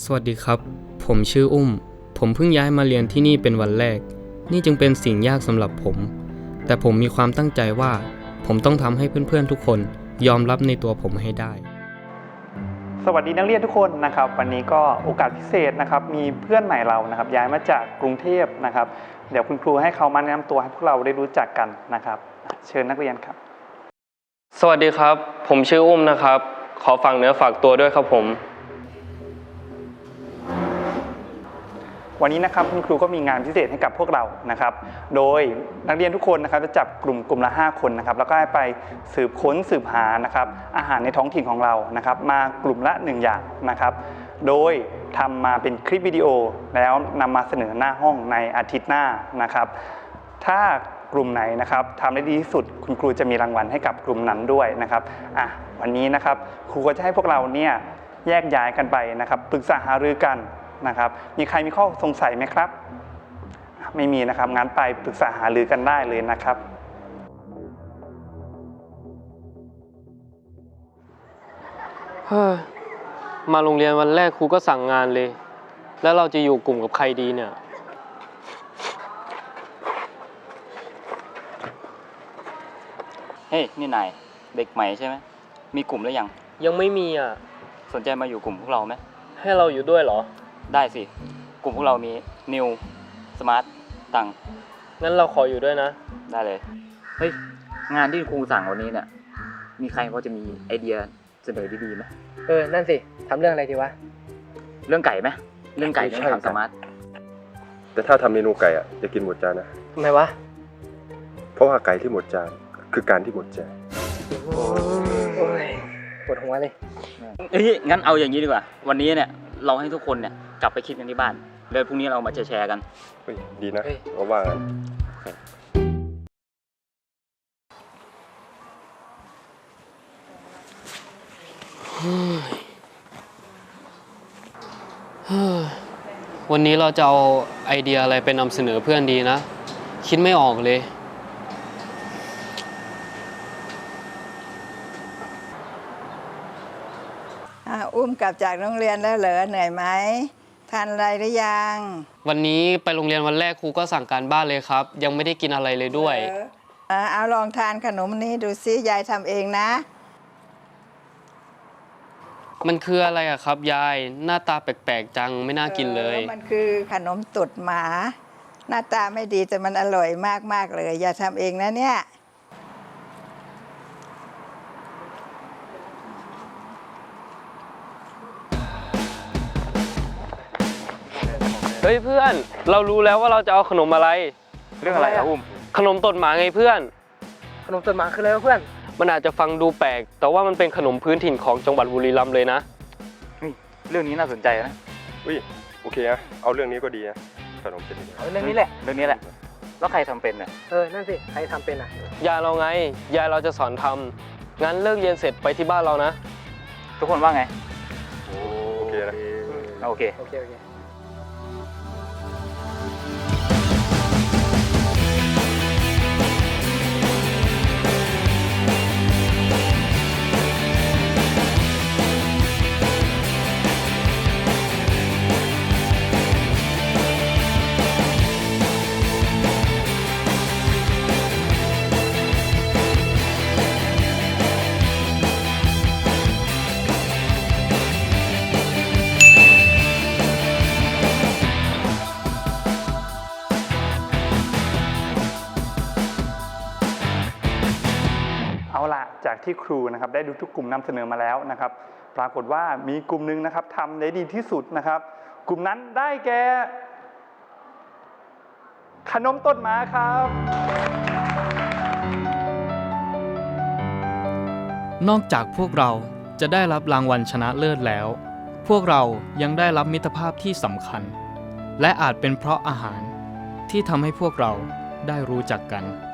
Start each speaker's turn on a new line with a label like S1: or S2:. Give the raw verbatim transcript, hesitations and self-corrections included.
S1: สวัสดีครับผมชื่ออุ้มผมเพิ่งย้ายมาเรียนที่นี่เป็นวันแรกนี่จึงเป็นสิ่งยากสำหรับผมแต่ผมมีความตั้งใจว่าผมต้องทำให้เพื่อนๆทุกคนยอมรับในตัวผมให้ได้
S2: สวัสดีนักเรียนทุกคนนะครับวันนี้ก็โอกาสพิเศษนะครับมีเพื่อนใหม่เรานะครับย้ายมาจากกรุงเทพนะครับเดี๋ยวคุณครูให้เขามาแนะนำตัวให้พวกเราได้รู้จักกันนะครับเชิญนักเรียนครับ
S1: สวัสดีครับผมชื่ออุ้มนะครับขอฝากเนื้อฝากตัวด้วยครับผม
S2: วันนี้นะครับคุณครูก็มีงานพิเศษให้กับพวกเรานะครับโดยนักเรียนทุกคนนะครับจะจับกลุ่มกลุ่มละห้าคนนะครับแล้วก็ให้ไปสืบค้นสืบหานะครับอาหารในท้องถิ่นของเรานะครับมากลุ่มละหนึ่งอย่างนะครับโดยทำมาเป็นคลิปวิดีโอแล้วนำมาเสนอหน้าห้องในอาทิตย์หน้านะครับถ้ากลุ่มไหนนะครับทำได้ดีที่สุดคุณครูจะมีรางวัลให้กับกลุ่มนั้นด้วยนะครับอ่ะวันนี้นะครับครูก็จะให้พวกเราเนี่ยแยกย้ายกันไปนะครับปรึกษาหารือกันนะครับมีใครมีข้อสงสัยไหมครับไม่มีนะครับงั้นไปปรึกษาหารือกันได้เลยนะครับ
S1: เฮ้ยมาโรงเรียนวันแรกครูก็สั่งงานเลยแล้วเราจะอยู่กลุ่มกับใครดีเนี่ย
S3: เฮ้ยนี่นายเด็กใหม่ใช่ไหมมีกลุ่มหรือยัง
S1: ยังไม่มีอ่ะ
S3: สนใจมาอยู่กลุ่มพวกเราไหม
S1: ให้เราอยู่ด้วยเหรอ
S3: ได้สิกลุ่มพวกเรามีนิวสมาร์ทตัง
S1: งั้นเราขออยู่ด้วยนะ
S3: ได้เลยเฮ้ยงานที่ครูสั่งวันนี้เนี่ยมีใครพอจะมีไอเดียเสนอดีๆไหม
S4: เออนั่นสิทำเรื่องอะไรดีวะ
S3: เรื่องไก่ไหมเรื่องไก่เรื่องทำสมาร์ท
S5: แต่ถ้าทำเมนูไก่อะอย่ากินหมดจานนะ
S4: ทำไมวะ
S5: เพราะว่าไก่ที่หมดจานคือการที่หมดใจ
S4: โอ้ยปวดหัวเลย
S3: เฮ้ยงั้นเอาอย่างนี้ดีกว่าวันนี้เนี่ยเราให้ทุกคนเนี่ยกลับไปคิดกันที่บ้านแล้วพรุ่งนี้เรามาแชร์กัน
S5: เฮ้ยดีนะว่าว่างั้น
S1: วันนี้เราจะเอาไอเดียอะไรไปนำเสนอเพื่อนดีนะคิดไม่ออกเลย
S6: อุ้มกลับจากโรงเรียนแล้วเหรอเหนื่อยไหมทานอะไรหรือยัง
S1: วันนี้ไปโรงเรียนวันแรกครูก็สั่งการบ้านเลยครับยังไม่ได้กินอะไรเลยด้วย
S6: เออเอาลองทานขนมนี้ดูซิยายทำเองนะ
S1: มันคืออะไรอะครับยายหน้าตาแปลกๆจังไม่น่ากินเลย
S6: มันคือขนมตุดหมาหน้าตาไม่ดีแต่มันอร่อยมากๆเลยอย่าทำเองนะเนี่ย
S1: เฮ้ยเพื่อนเรารู้แล้วว่าเราจะเอาขนมอะไร
S3: เรื่องอะไรครับอุ้ม
S1: ขนมตดหมาไงเพื่อน
S4: ขนมตดหมาคืออะไรเพื่อน
S1: มันอาจจะฟังดูแปลกแต่ว่ามันเป็นขนมพื้นถิ่นของจังหวัดบุรีรัมย์เลยนะ
S3: เรื่องนี้น่าสนใจนะ
S5: อุ้ยโอเคนะเอาเรื่องนี้ก็ดีนะขนมเป็น
S4: เอาเรื่องนี้แหละ
S3: เรื่องนี้แหละแล้วใครทำเป็นเนี่ย
S4: เออนั่นสิใครทำเป็นอ่ะ
S1: ยายเราไงยายเราจะสอนทำงั้นเลิกเรียนเสร็จไปที่บ้านเรานะ
S3: ทุกคนว่าไง
S5: โอเคนะ
S3: โอเค
S4: โอเคโอเค
S2: เอาล่ะจากที่ครูนะครับได้ดูทุกกลุ่มนำเสนอมาแล้วนะครับปรากฏว่ามีกลุ่มหนึ่งนะครับทำได้ดีที่สุดนะครับกลุ่มนั้นได้แก่ขนมต้นหมาครับ
S1: นอกจากพวกเราจะได้รับรางวัลชนะเลิศแล้วพวกเรายังได้รับมิตรภาพที่สำคัญและอาจเป็นเพราะอาหารที่ทำให้พวกเราได้รู้จักกัน